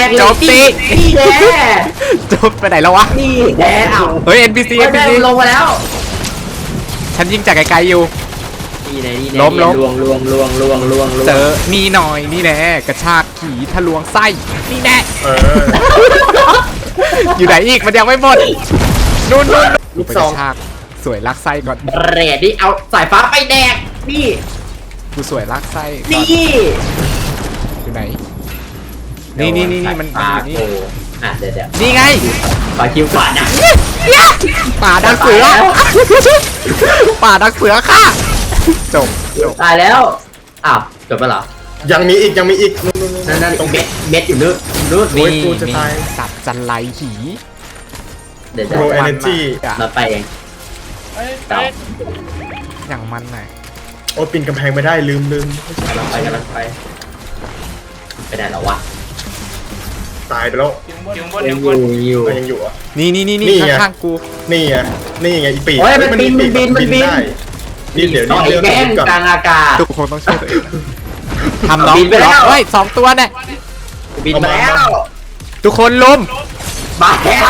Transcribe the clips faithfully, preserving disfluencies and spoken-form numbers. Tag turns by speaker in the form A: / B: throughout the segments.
A: งเลย
B: จบสิ
A: นี่แน่
B: จบไปไหนแล้ววะ
A: นี่แน่เอา
B: เฮ้ย เอ็น พี ซี
A: เฮ้
B: เอ็
A: ย
B: น พี
A: แม่
B: ซี
A: ลงมาแล้ว
B: ฉันยิงจากไกลๆอยู่
A: นี่แน่นี่แน่
B: ล้มล้ม
A: ลวงลวงลวงลวงลวงลวง
B: เจอนี่หน่อยนี่แน่กระชากขี่ทะลวงไส้นี่แน่
C: เออ
B: อยู่ไหนอีกมันยังไม่หมดนู่นนู่น
C: ลูก
B: ไป
C: ซ
B: ก
C: อง
B: ระชากสวยลากไส้ก่อน
A: เรดนี่เอาสายฟ้าไปแดกนี่
B: กูสวยลากไส้ก่อน
A: นี่
B: อยู่ไหนนี่นี่นี่นี่มันมันอยู่นี่
A: โอ้อ่ะเดี๋ยวเดี๋ยว
B: นี่ไง
A: ขอคิวก่อนนะ
B: ป่าดักเสือ
A: ตายแล้ว
B: ป่าดักเสือค่ะจบจบ
A: ตายแล้วอ้าวจบไปเหรอ
C: ยังมีอีกยังมีอีกนู่นนู่นนู่น
A: นั่นนั่น
C: ตรง
A: เม็ดเม็ดอยู่นู่นนู่น
C: โอ้ยกูจะตาย
B: สัตว์จันไรหี
A: เดี๋ยว
C: โปร
A: เดี๋ยว
C: เอเนจี
A: มาไปเองเต่า
B: อย่างมันหน่อย
C: โอ้ยปีนกำแพงไม่ได้ลืมลืม
A: กำลังไปกำลังไปไปไหนแล้ววะ
C: ตายไปแล้ว
D: อยู่บนอ
A: ยั
D: ยู่
A: ง
D: บ
A: อน ยู่อยู่
C: เอ้ยยังอยู่อ่ะ
B: นี่นี่นี่นี่
C: นี่ไง
B: ข้างๆกู
C: นี่ไงนี่ไงอีปีก
A: โอ้ยมันบินมันบินมันบิน
C: ได้นี่เดี๋ยว
A: ต่
C: นี่
A: อย
C: เรื่อง
A: แม่ง
C: ก่อน
A: กลางอากาศ
B: ทุกคนต้องช่วยตัวเองนะทำน้อง
A: บินไปแล้ว
B: เฮ้ยสองตัวเนี่ย
A: บินมาแล้ว
B: ทุกคนลุม
A: มาแล้ว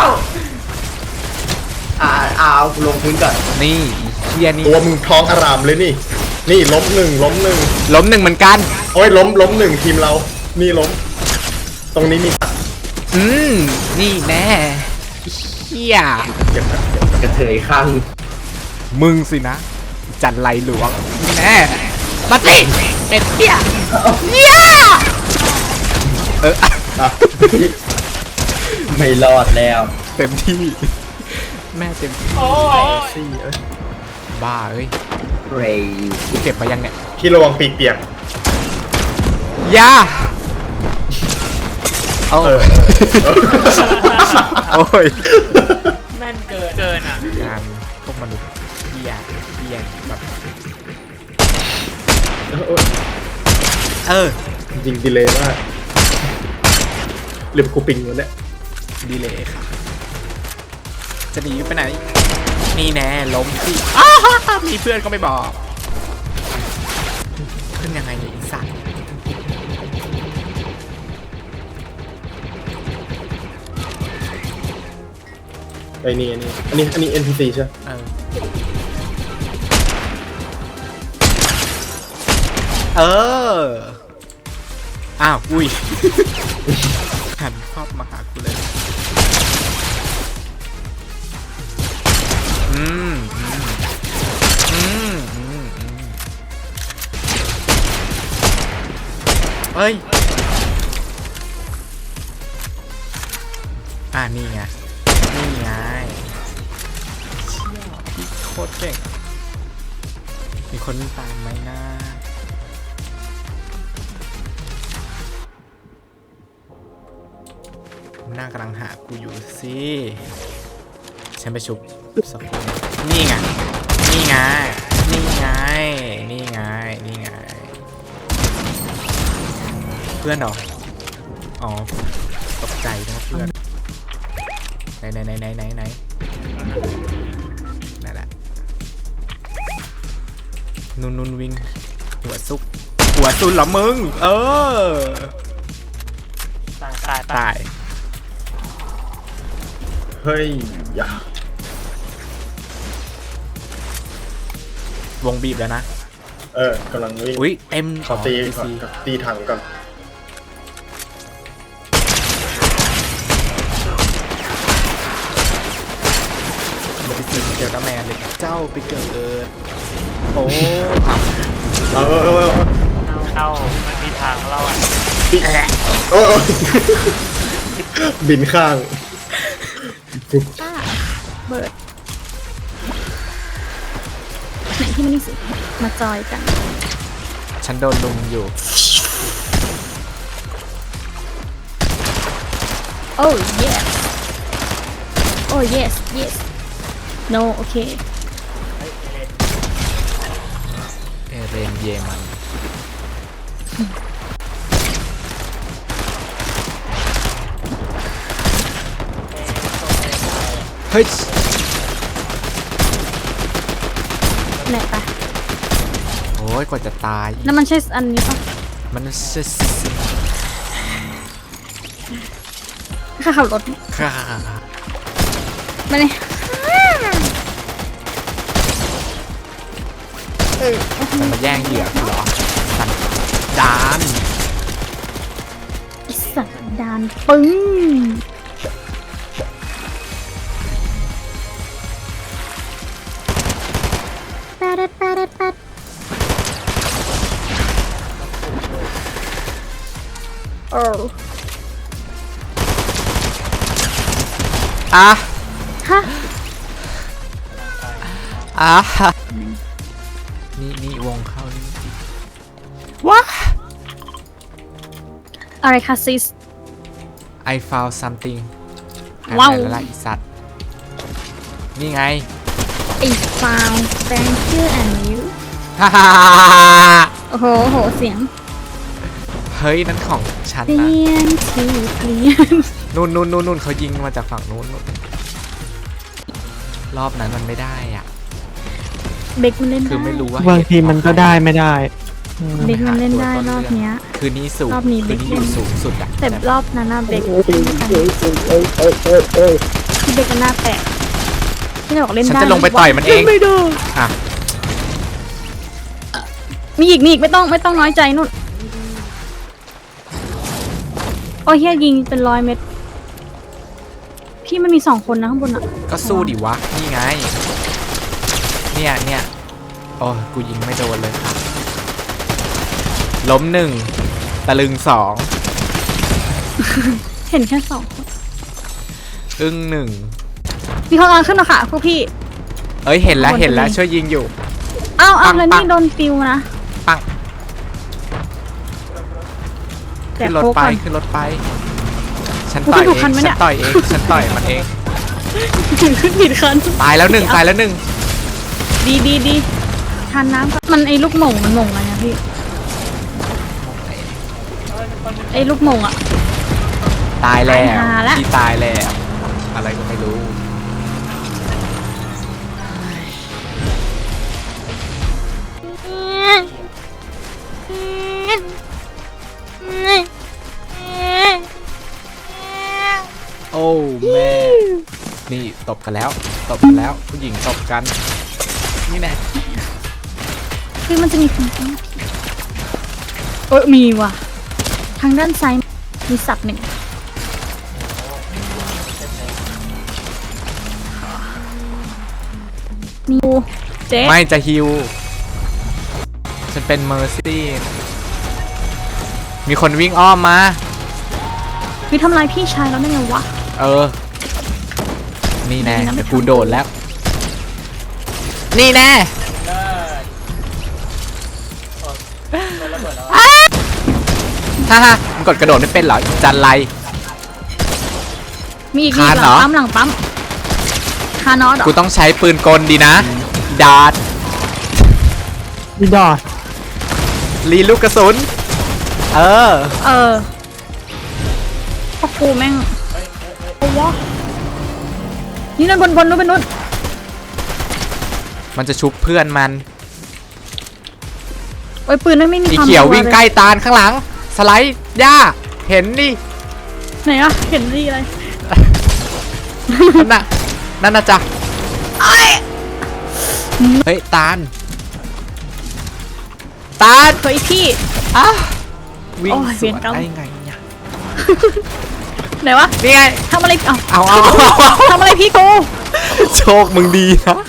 A: อ่าเอาลงพื้นก่อน
B: นี่เฮียนี่
C: ตัวมึงท้องอารามเลยนี่ นี่ล้มหนึ่งล้มหนึ่ง
B: ล้มหนึ่งเหมือนกัน
C: โอ้ยล้มล้มหนึ่งทีมเรา นี่ล้ม ตรงนี้มี
B: อืมนี่แน่เฮีย
C: เจ็บนะเจ็บนะ
A: กระเทยข้าง
B: มึงสินะ จันไรหลวงนี่แน่มาสิเป็นเฮียเฮียเออ
C: อ่ะ
A: ไม่รอดแล้ว
B: เต็มที่ แม่เต็มที่
D: โอ้ย
C: ซี่เอ้ย
B: บ้าเอ้ย
A: เรย์
B: กูเก็บมายังเนี่ย
C: พี่ระวังปีกเปียก
B: อยาเอา
C: เออ
B: โอ้ย
D: แม่นเกินเกินอ่ะ
B: งานพวกมนุษย์เฮียเฮียแบบ เออ
C: จริงดีเลยมากหรือกูปิงวะเนี่ย
B: ดีเลยค่ะ จะหนีไปไหน นี่แน่ล้มสิอ้าวมีเพื่อนก็ไม่บอกขึ้นยังไงเนี่ยอีสัตว์
C: ไอ้นี่อันนี้อันนี้อันนี้ เอ็น พี ซี ใช่ไหม
B: เออ เออ อ้าว อุ้ย หันภาพมาหากูเลย อืม อืม อืม อืม อืมเอ้ย อ่านี่ไง นี่ไงเชี่ยพี่โคตรเก่ง มีคนตามไหมนะหน้ากำลังหากูอยู่สิ ฉันไปชุบสักคนนี่ไง นี่ไง นี่ไง นี่ไง นี่ไง เพื่อนเหรอ อ๋อ ตกใจนะเพื่อน ไหนไหนไหนไหนไหนไหนนั่นแหละนุนนุนวิ่งหัวซุก หัวซุนเหรอมึง เออ
D: ตายตายตาย
B: ตาย
C: เฮ้ยอย่าว
B: งบีบแล้วนะ
C: เออกำลังวิ่ง
B: อุ้ยเต็ม
C: ขอตี
B: อ๋อ
C: ก่อน
B: ซี
C: ตีถังก่อน
B: มันไปซีเกี่ยวกับแมนเลยเจ้าไปเกิด โอ้ผับ
C: เออเออเออเออ
D: เข้ามันมีทางเราอ่ะ
C: ปีเออเออบินข้างปุ๊บ
E: ป้าเบิร์ดไหนที่มันนี่สิ มาจอยกัน
B: ฉันโดนลุมอยู่
E: โอ้ yes โอ้ yes yes no โอเค
B: เอเรนเยมันเฮ้ย
E: ไหนปะ
B: โอ้ยกว่าจะตาย
E: แล้วมันใช่อันนี้ปะ
B: มันเซส
E: ข้าขับรถ
B: ค่ะ
E: มาเลยเออ
B: มันมาแย่งเหยื่อกูเหรอสันดาน
E: ไอ้สัตว์ดานปึ้งแปดแปดแปดโอ้
B: อ่ะ
E: ฮะ
B: อ่ะนี่นี่วงเข้านี่ว้า
E: อะไรคะซิส
B: I found something
E: ว้าว
B: หายไปแล้วล่ะอีสัตว์นี่ไง
E: ไอ้ found thank you and you
B: ฮ่าฮ่าฮ่าฮ่า
E: โอ้โหโอ้โหเสียง
B: เฮ้ยนั่นของฉัน
E: เปลี่
B: นะ
E: ยนที่เปลี่ยน
B: นู่นนู่นนู่นนู่นเขายิงมาจากฝั่งนู้นนู่นรอบนั้นมันไม่ได้อ่ะ
E: เบกมันเล่น
B: คือ
E: ได้
B: ไม่รู้ว่า
F: บางทีมันก็ได้ไม่ได้อืม
E: เบกมันเล่นได้รอบเนี้ย
B: คือนี่สูง
E: รอบนี้
B: คือนี่
E: เบ
B: อ
E: ค
B: ยู่สูงสุดอ่ะ
E: แต่รอบนั้นน่ะเบก
C: โอ้ยโอ้ยโอ้ยโอ้ยโอ้ยโอ้ยโอ้ย
E: ที่เบกกันหน้าแตกที่จะบอกเล่น
B: ฉัน
E: ได้
B: จะลงไปต่อยมันเอง
E: ไม่ได้
B: อ่ะ
E: มีอีกมีอีกไม่ต้องไม่ต้องน้อยใจนู่นโอ้ยเฮียยิงเป็นร้อยเม็ดพี่มันมีสองคนนะข้างบนอ่ะ
B: ก็สู้ดิวะนี่ไงเนี่ยเนี่ยโอ้ยกูยิงไม่โดนเลยค่ะล้มหนึ่งตะลึงสอง
E: เห็นแค่สองคน
B: อึ้งหนึ่ง
E: มีคนกำลังขึ้นมาค่ะพวกพี่
B: เอ้ยเห็นแล้ว
E: ข้างบน
B: เห็นแล้ว
E: จะมี
B: ช่วยยิงอยู่
E: เอ้าวอ้าว
B: ปัง
E: แล้ว
B: ปั
E: นี่
B: ง
E: โดนปิวนะ
B: ปัง
E: แจก
B: ขึ้นรถ
E: โค้ก
B: ไป
E: ก่อน
B: ขึ้นรถไป ฉัน
E: โอ้ย
B: ต่อย
E: ดู
B: เอ
E: คัน
B: ง
E: ไหม
B: ฉั
E: เนี่
B: น
E: ย
B: ต่อยเองฉันต่อยมันเอง
E: ขึ้นผิดคัน
B: ตายแล้วหนึ่งตายแล้วหนึ่ง
E: ดีดีดีทานน้ำก่อนมันไอ้ลูกหม่งมันหม่งอะไรนะพี่ไอ้ลูกหม่งอ่ะ
B: ตายแล้ว
E: ตายหาละ
B: ที่ตายแล้วอะไรก็ไม่รู้ โอ้แม่นี่ตบกันแล้วตบกันแล้วผู้หญิงตบกันนี่แน่
E: คือมันจะมีคนตั้งเออมีว่ะ ทางด้านซ้ายมีสัตว์หนึ่งมีงูเจ๊
B: ไม่จะฮิวฉันเป็นเมอร์ซี่มีคนวิ่งอ้อมมา
E: วิทำลายพี่ชายแล้วได้ไงวะ
B: เออ นี่แน่
E: ดีนะไม่
B: เดี๋ยวกู
E: ทำ
B: โดดแล้ว นี่แน่ฮ่าฮ่ามึงกดกระโดดไม่เป็นเหรออีจันไร
E: มีอีกมี
B: คาน
E: ห
B: เหร
E: ลั
B: อ
E: งปั๊มหลังปั๊มคานอสเหรอ
B: กูต้องใช้ปืนกลดีนะ ดาด
F: นี่ดอด
B: รีลูกกระสุน เออ
E: เออพวกกูแม่งเอาวะนี่นั่นบนบนนู้นเป็นนู้น
B: มันจะชุบเพื่อนมัน
E: โอ้ยปืนนั่นไม่มี
B: อี
E: ความ
B: เขียว
E: รั
B: วิ่งใกล้ตาลข้างหลัง สไลด์ย่า เห็นดิ
E: ไหนอะเห็นดีอะไร
B: นั่นน่ะ นั่นน่ะจ้ะเฮ้ย ตาล ตาล
E: เฮ้ยพี่
B: อ่ะวิ่ง
E: โอ้ย
B: ส
E: เวี
B: วย
E: น
B: น
E: กรรม
B: ได้ไงเนี่ย
E: ไหนวะ
B: นี่ไง
E: ทำอะไรเอา
B: เอาเอา
E: ทำอะไรพี่กู
B: โชคมึงดีนะ